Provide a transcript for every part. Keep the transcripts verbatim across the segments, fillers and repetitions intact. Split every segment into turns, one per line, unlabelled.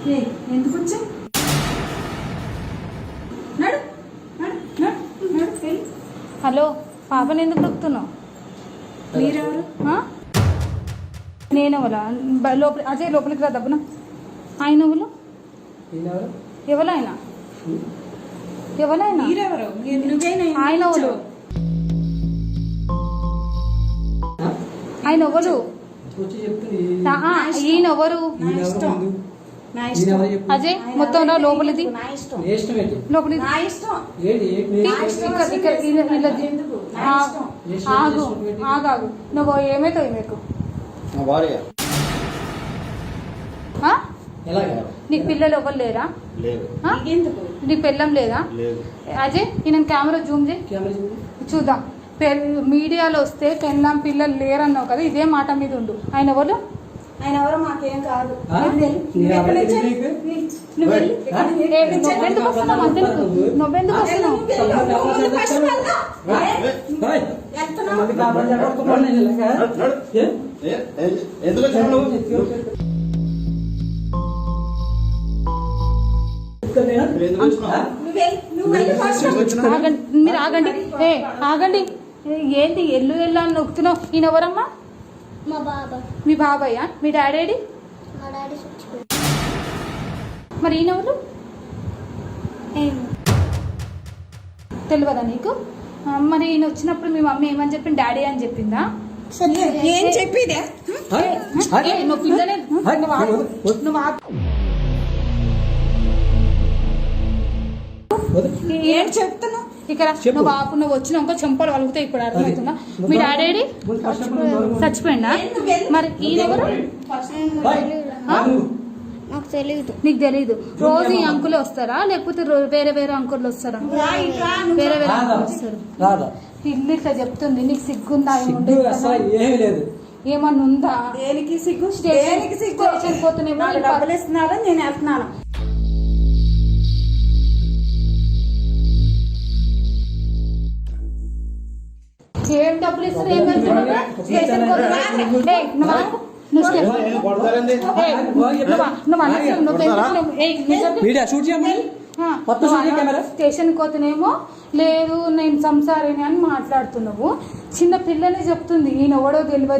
ఎందుకు వచ్చా నడు నడు నడు నడు.
హలో, పాపని ఎందుకు నొక్కుతున్నావు?
మీరెవరు?
నేనెవలా? లోపల అజయ్ లోపలికి రా దబ్బున. ఆయన ఎవరు? ఎవరైనా ఎవరైనా
మీరెవరు? నువ్వేనా?
ఆయన ఎవరు? ఆయన ఎవరు? ఈయన ఎవరు? అజయ్ మొత్తం రా లోపలిది. లోపలిది ఆగు ఆగాగు. నువ్వు ఏమైతావు మీకు? నీకు పిల్లలు ఎవరు లేరా? నీకు పిల్లం లేదా? అజయ్ ఈయన కెమెరా జూమ్ చేయి చూద్దాం. మీడియాలో వస్తే పెళ్ళాం పిల్లలు లేరన్నావు కదా, ఇదే మాట మీద ఉండు. ఆయన ఎవరు?
ఆయన ఎవరో మాకేం కాదు.
నువ్వెందుకు వస్తున్నావు? నువ్వెందుకు వస్తున్నావు? మీరు ఆగండి. ఏ ఆగండి. ఏంటి ఎల్లు ఎల్లు అని నొక్కుతున్నావు? ఈయన ఎవరమ్మా?
మా బాబాయ్.
మీ బాబాయ్యా? మీ డాడీ?
మా డాడీ.
మరి ఈయన ఎవరు? తెలియదా నీకు? మరి ఈయన వచ్చినప్పుడు మీ మమ్మీ ఏమని చెప్పింది? డాడీ అని చెప్పిందా?
ఏం చెప్పిదే?
నువ్వు పిల్లనే నువ్వు
ఏం చెప్తున్నా?
ఇక్కడ నువ్వు బాబు నువ్వు వచ్చినాక చెంపలు వలుగుతాయి. ఇప్పుడు అర్థమవుతుందా? మీ డాడీ చచ్చిపోయిందా? మరి ఈయన ఎవరు?
నాకు తెలియదు.
నీకు తెలీదు? రోజు ఈ అంకులే వస్తారా లేకపోతే వేరే వేరే అంకులు వస్తారా? వేరే వేరే అంకులు వస్తారు. ఇల్లు ఇట్లా చెప్తుంది. నీకు సిగ్గుందా? ఏమన్నా ఉందా?
దేనికి సిగ్గు? దేనికి సిగ్గు?
పోతున్నాయి
డబ్బులు ఇస్తున్నారా? నేను వెళ్తున్నాను.
ఏం డబ్బులు ఇస్తారు? ఏం స్టేషన్ పోతేనేమో లేదు నేను సంసారిని అని మాట్లాడుతున్నావు. చిన్న పిల్లని చెప్తుంది. ఈయన ఎవడో తెలియదు.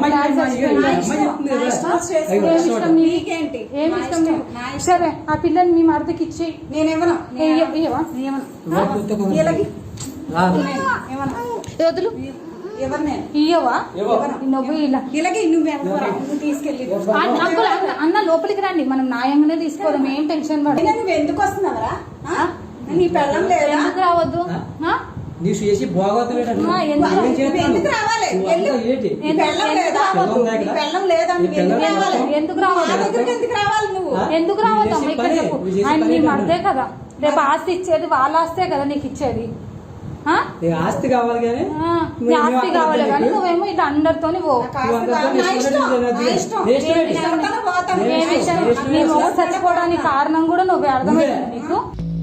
ఏమి ఇష్టం? సరే ఆ పిల్లని మీ మరదకి ఇచ్చేయి.
నేనేమన్నా
వదులు. ఇయ్యవా? నువ్వు ఇలా
తీసుకెళ్ళి
అంకుల్ అన్న లోపలికి రండి. మనం న్యాయంగానే తీసుకోవడం. ఏం టెన్షన్ పడ.
నువ్వు ఎందుకు వస్తున్నావరా? నీ పెళ్ళం లేదా?
ఎందుకు రావద్దు?
ఎందుకు రావాలి?
ఎందుకు రావద్దు?
ఎందుకు రావాలి నువ్వు?
ఎందుకు రావద్దు అమ్మ? ఇక్కడ చెప్పు. ఆయన నీ మర్దే కదా. రేపు ఆస్తి ఇచ్చేది వాళ్ళ ఆస్తే కదా నీకు ఇచ్చేది.
ఆస్తి కావాలి కానీ
ఆస్తి కావాలి కానీ నువ్వేమో ఇట్లా అందరితో చచ్చిపోవడానికి కారణం కూడా నువ్వే. అర్థమైంది నీకు?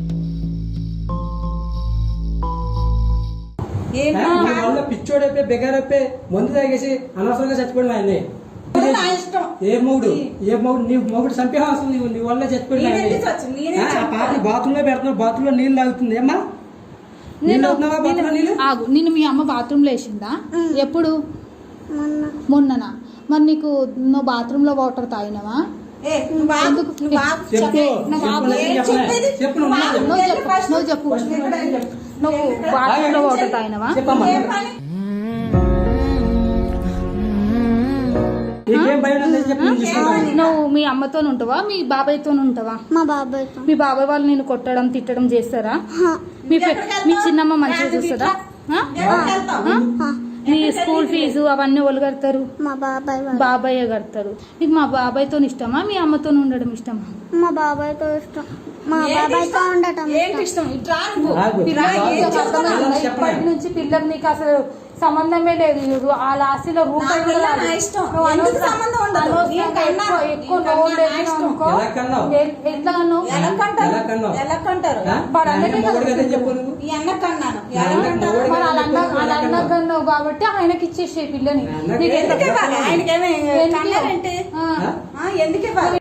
పిచ్చోడైపోయి బెగారైపోయి మందు తాగేసి అనవసరంగా చచ్చిపోవడం ఆయన్ని. ఏ మొగుడు ఏ మొగుడు నీ మొగుడు చంపేవాల్సింది నీవు. నీ వల్ల చచ్చిపోయిన పాప బాత్రూమ్ లో పెడుతున్నావు. బాత్రూమ్ లో నీళ్ళు తాగుతుంది. ఏమ్మా
ఆగు. నిన్ను మీ అమ్మ బాత్రూమ్ లో వేసిందా? ఎప్పుడు? మొన్ననా? మరి నీకు నువ్వు బాత్రూమ్ లో వాటర్ తాగినవా? నువ్వు చెప్పు. నువ్వు బాత్రూమ్ లో వాటర్ తాగినవా? నువ్వు మీ అమ్మతో ఉంటావా మీ బాబాయ్తో ఉంటావా?
మా బాబాయ్.
మీ బాబాయ్ వాళ్ళు నేను కొట్టడం తిట్టడం చేస్తారా? మీ మీ చిన్నమ్మ మంచిగా చూస్తుందా? మీ స్కూల్ ఫీజు అవన్నీ వాళ్ళు కడతారు?
మా బాబాయ్.
బాబాయ్ కడతారు. నీకు మా బాబాయ్తో ఇష్టమా మీ అమ్మతో ఉండడం ఇష్టమా?
మా బాబాయ్తో ఇష్టం. మా బాబాయ్తో ఉండటం
ఇష్టం.
ఇప్పటి నుంచి పిల్లలు నీకు అసలు సంబంధమే లేదు. ఆ లాస్ట్లో రూపాయి ఎక్కువ అన్నకన్నావు కాబట్టి ఆయనకి ఇచ్చేసే పిల్లని.
ఎందుకు